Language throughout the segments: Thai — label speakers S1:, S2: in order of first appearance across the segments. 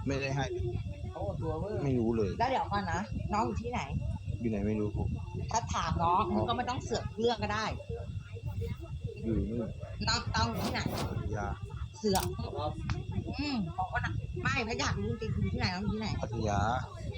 S1: ไม่ได้ให้ไม่รู้เลย
S2: แล้วเดี๋ยวก่อนนะน้องอยู่ที่ไหน
S1: อยู่ไหนไม่รู้
S2: ถ้าถามน้องมึงก็ไม่ต้องเสือกเรื่องก็ได้
S1: อยู่นู่น
S2: น้องอยู่ที่ไหน
S1: ยา
S2: เสือกบอกว่าไม่พะอยากรู้จริงๆอยู่ที่ไหนน้องอยู่ที่ไหน
S1: พัทยา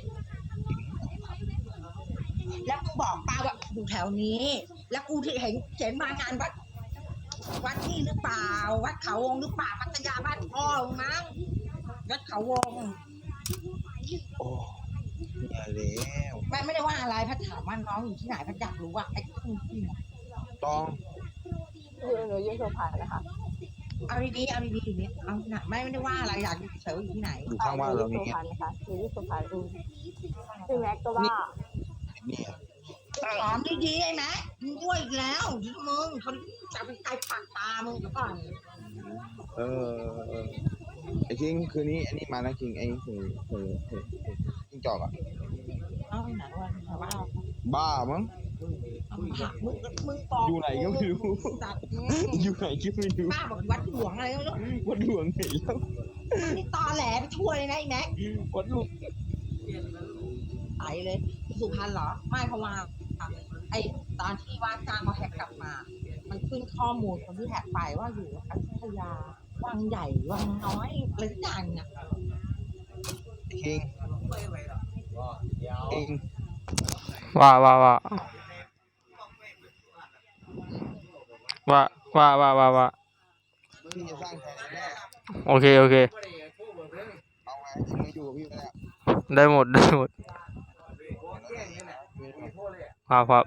S2: แล้วมึงบอกป้าว่าอยู่แถวนี้แล้วกูที่เห็นมางานวัดที่หรือเปล่าวัดเขาวงหรือเปล่าพัทยาบ้านพ่อมั้งวัดเขาวง
S1: โอ้เนี่ยแล้ว
S2: ไม่ได้ว่าอะไรพัดถามว่าน้องอยู่ที่ไหนพัดอยากรู้ว่าไอ้ที่
S1: ต้อง
S3: หนูอยู่สุพรรณนะคะ
S2: เอาดีๆอยู่นี่เอาที่ไหนไม่ได้ว่าอะไรอยากอยู่เฉยๆอยู่ที่ไหน
S1: อยู่ข้างบ้านเรา
S3: อยู่สุพรรณค่ะอยู่ที่สุพรรณพี่แม็กก็ว่า
S1: เนี่ย
S2: ถามดีๆไอ้แม็กมึงด้วยอีกแล้วมึงเขาจะเป็นไก่ปากตามึงก่อน
S1: ไอ้คิงคืนนี้อันนี้มานะคิงไอ้หูคิงจอกอ่ะ
S2: เอาไปไหนวะ
S1: บ้ามั้ง
S2: มึงปอก
S1: อยู่ไหนก็ไม่รู้อยู่ไหนก็ไม่รู้
S2: ป้าบอกวัดหลวงอะไรก็ไม่รู้
S1: วัดหลวงไหนแล้ว
S2: นี่ตอแหลไปช่วยนะไอ้แม็ก
S1: วัดหลวง
S2: ไปเลยสุพรรณเหรอไม่เพราะว่าไอ้ตอนที่ว่าจ้างเขาแฮกกลับมา มันขึ้นข้อมูลคนที่แฮกไปว่าอยู่อยุธยาวังใหญ่วังน้อยอะไรสักอย่างเนี่ย
S1: คิง
S4: ว่า
S1: พี่จะสร้างแผนแน่
S4: โอเค
S1: เอาไงไม่อยู่พี่แล้ว
S4: ได้หมดครับ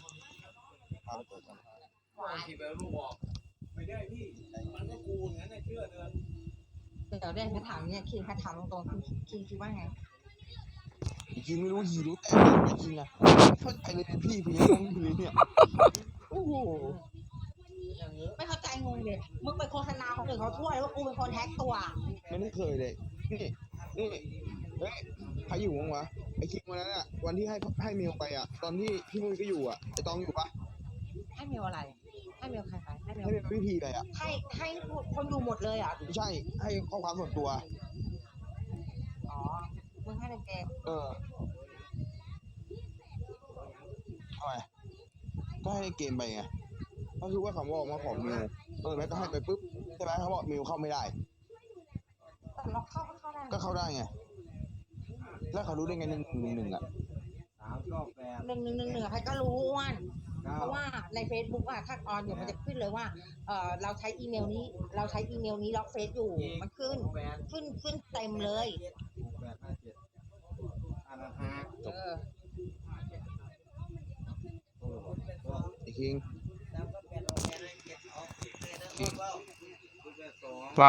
S2: เดี๋ยวได้แค่ถามเนี่ยคิงแค่ถามตรงๆคิงคิดว่าไง
S1: คิงไม่รู้หีรู้แต่ไม่คิงอะเข้าใจเลยพี่ยังงงอยู่เลยเนี่ยโอ้โห
S2: ไม่เข้าใจงงเลยมึงไปโฆษณาคนอื่นเขาทั่วเลยว่ากูเป็นคนแฮกตัว
S1: ไม่ได้เคยเลยนี่เฮ้ยใครอยู่มั้งวะไอ้คิงวันนั้นอะวันที่ให้เมลไปอะตอนที่พี่มุ้ยก็อยู่อะไอ้ตองอยู่ปะ
S2: ให้เมลอะไรให้เมลใครไปให้เมล
S1: พี่พีไปอะ
S2: ให้คนอยู่หมดเลยอ่ะ
S1: ใช่ให้ข้อความส่วนตัว
S2: อ๋อมึงให้ในเกม
S1: ทำไมก็ให้เกมไปไงก็คือว่าเขาบอกมาขอมิวแม่ก็ให้ไปปุ๊บใช่ไหมเขาบอกมิวเข้าไม่ได้
S2: แต่เราเข้าได้
S1: ก็เข้าได้ไงแล้วเขารู้ได้ไง111อ่ะ
S2: 111ใครก็รู้อ้วนเพราะว่าใน Facebook อ่ะถ้าออนอยู่มันจะขึ้นเลยว่าเราใช้อีเมลนี้ล็อกเฟซอยู่มันขึ้นเต็มเลย
S1: ไอ้คิง
S4: ว่า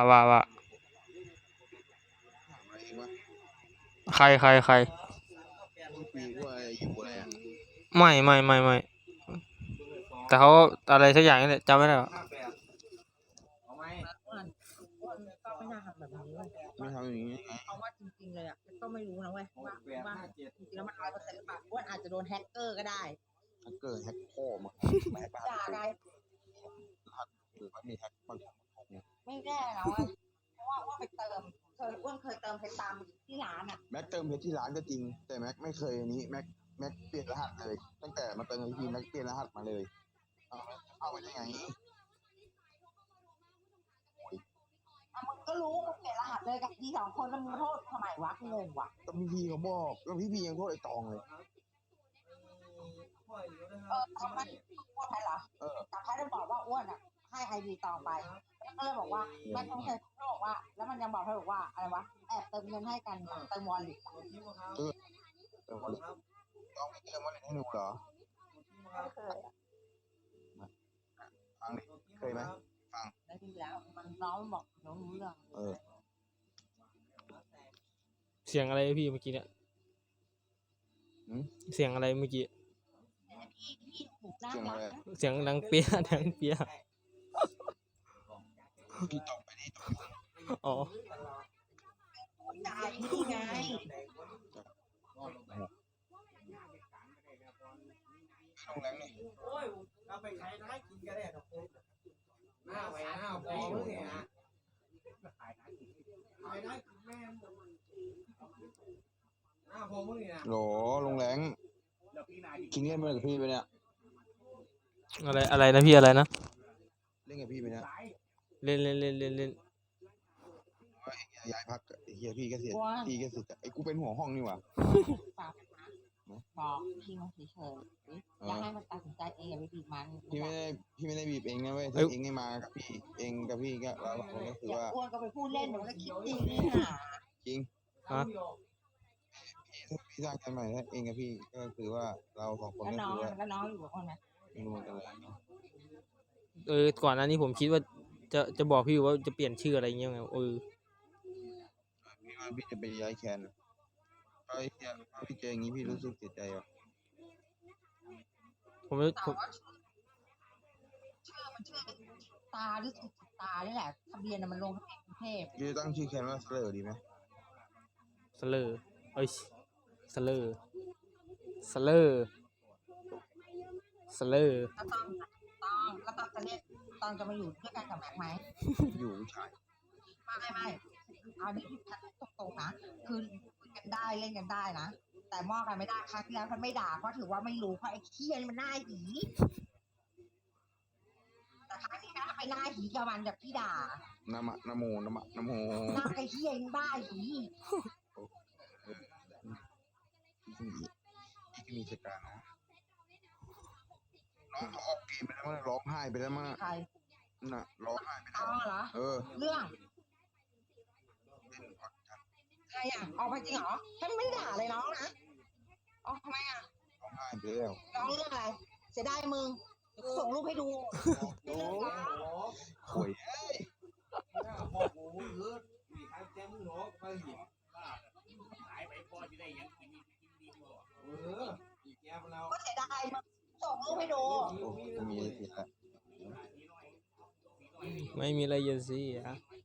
S4: ใครไม่แต่เขาอะไรสักอย่างนี่แหละจำไม่ได้หรอก
S2: ไม่น่าทำแบบนี้เลย
S1: ไม่ทำอย่างนี้
S2: เพราะว่าจริงๆเลยอ่ะก็ไม่รู้นะเว้ยว่าจริงๆแล้วมัน100%หรือเปล่าว่าอาจจะโดนแฮกเกอร์ก็ได้
S1: แฮกเกอร์แฮกพ่อมาไม่ให้ป้า
S2: ได้
S1: หรือว่ามีแฮกบาง
S2: ไม่แน่นะเพราะว่าไปเติมเคยเติมเพชรตามที่ร้านอ่ะ
S1: แม็กเติมเพชรที่ร้านก็จริงแต่แม็กไม่เคยอันนี้แม็กเปลี่ยนรหัสเลยตั้งแต่มาเติมทีแม็กเปลี่ยนรหัสมาเลยเอาไปได้ไง
S2: มึงก็รู้มึงเปลี่ยนรหัสเลยกับพี่2คนแล้วมึงโทษทำไมวะงงวะ
S1: ก็พี่เขาบอกแล้วพี่ยังโทษไอ้ตองเลย
S2: ทำไมอ้วนใครเหรอแต่ใครได้บอกว่าอ้วนอ่ะให้ไอดีตองไปก็เลยบอกว่าแม่ต้องเคยบอกว่าแล้วมันยังบอกให้บอกว่าอะไรวะแอบเติมเงินให้กันเติมวอลเล็ต
S1: เติมวอลเล็ตต้องไม่เติมวอลเล็ตให้หนูเหรอฟังดิเคยไหมฟัง
S2: ได้ดีแล้วมันน้องบอกน้องรู้เรื่อง
S4: เสียงอะไรพี่เมื่อกี้เนี่ยเสียงอะไรเมื่อกี้เสียงดังเปี้ย
S1: พี่ตอบไปนี่
S4: อ๋อ
S2: จ่ายนี่ไง
S1: โรงแรมนี่
S5: โอ้ยเราไปใช้ได้กินกันได้ดอกหน้าไปหน้าพอเนี่ยนะ
S1: โหลลงแรงคิงเล่นมากับพี่ไปเนี่ย
S4: อะไรนะพี่อะไรนะ
S1: เล่นกับพี่ไปเนี่ย
S4: เล่น
S1: ย้ายพักไอ้เฮียพี่ก็เสีย
S2: ว่า
S1: พี่ก็เสียไอ้กูเป็นหัวห้องนี่หว่า
S2: ฝากบอกพี่มันเฉยๆอย่าให้มันตัดสินใจเองอย่าไปบีบมัน
S1: พี่ไม่ได้บีบเองนะเว้ยถ้าเองไม่มากับพี่เองกับพี่ก็เราก็คือ
S2: อย่า
S1: ว่า
S2: อ้วนก็ไปพูดเล่นเดี๋ยวมันก็คิดจริงนี่หา
S1: จริง
S4: ฮะ
S1: พี่สร้างกันใหม่ถ้าเองกับพี่ก็คือว่าเราสองคน
S2: แล้ว
S1: ก็
S2: น้อง
S1: คือว่า
S2: แล้วน้องอยู่กับคนนะ
S1: ไม่รู้เหมือนกันเลย
S4: ก่อนหน้านี้ผมคิดว่าจะบอกพี่ว่าจะเปลี่ยนชื่ออะไรเงี้ยไง
S1: พี่ว่าพี่จะไปย้ายแคนเพราะไอ้เหี้ยพี่เจออย่างนี้พี่รู้สึกเสียใจอ่ะ
S4: ผม
S2: แต่ว่าชื่อมันชื่อตาหรือสุตานี่แหละทะเบียนน่ะมันลงทะเบียนกรุงเทพ
S1: พี่จะตั้งชื่อแคนว่าสเลอร์ดีไหม
S4: สเลอร์สเลอร์
S2: แล้วตอนจะเล่นตอนจะมาอยู่ด้วยกันกับแม็กไหม
S1: อยู่ผู้ชาย
S2: ไม่เอาดิตรงๆนะคือคุยกันได้เล่นกันได้นะแต่มองกันไม่ได้ครั้งที่แล้วมันไม่ด่าเพราะถือว่าไม่รู้เพราะไอ้เคี้ยนี่มันหน้าหีแต่ครั้งนี้นะไปหน้าหีกับมันแบบพี่ด่า
S1: นะโม
S2: หน้าไอ้เคี้ยนี่บ้าหี
S1: พี่ก็มีสการนะน้องเขาออกเกมไปแล้วมั้งร้องไห้ไปแล้วมั้ง
S2: ใคร
S1: น่ะร้องไห้ไปแล้
S2: เอา
S1: ว
S2: เหรอ
S1: เออ
S2: เรื่อง
S1: เล่นก่อนกัน
S2: ใครอ่ะออกมาจริงเหรอฉันไม่ได้ด่าเลยน้องนะอ๋อทำไมอ่ะ
S1: ร้องไห้ไปแล้ว
S2: น้องเรื่องอะไรเสียดายมึงเดี๋ยวกูส่งรูปให้ดู
S1: โอ้ย
S2: ก็เสียดายมึงส่งรูปให้ดู
S1: โอ้ไม่มีอะไรเสียละ
S4: ไม่มีอะไรจะเสีย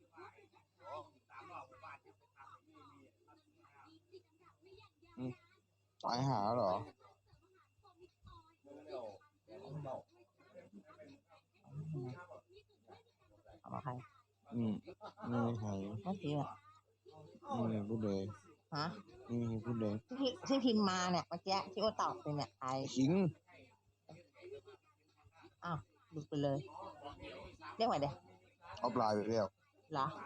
S1: ตายหาเหรอ
S2: เอาใคร
S1: ไม่มีใคร
S2: ไม่จริงอ่ะ
S1: ไม่มีพูดเลย
S2: ฮะ
S1: ไม่มีพูดเลย
S2: ที่พิมพ์มาเนี่ยเมื่อกี้ที่ว่าตอบไปเนี่ยใคร
S1: ขิง
S2: ดูไปเลยเรียกว่าเดี๋ยว
S1: เอาปลายไปแล้ว
S2: เหรอ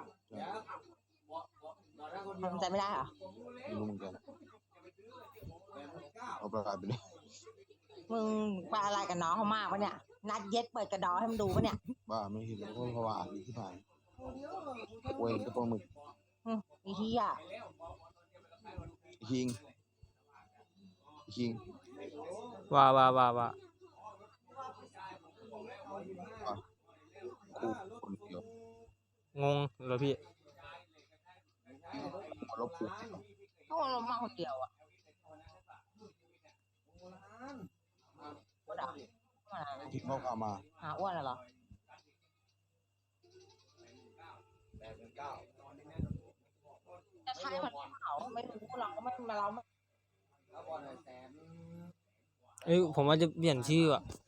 S2: ทำใจไม่ได้เหรอ
S1: ไม่รู้เหมือนกันเอาปลายไปเลย
S2: มึงไปอะไรกับน้องเขามากปะเนี่ยนัดเย็ดเปิดกระดอให้มันดูปะเนี่ย
S1: บ้าไม่เห็นแล้วก็เพราะว่าอ่านดีที่ผ่านเว้ยกระโปรงหมึก
S2: อีที่อ่ะ
S1: คิงคิง
S4: ว่า
S1: คู่คนเดียว
S4: งงเหรอพี่
S1: ลบคู่
S2: เขาเอาลงมาคนเดียวอ่ะอ้วน
S1: ที่เขาพามา
S2: หาอ้วนเหรอจะใช่มันเขาไม่รู้เราก็ไม่มาเราไม่
S4: ผมว่าจะเปลี่ยนชื่ออ่ะ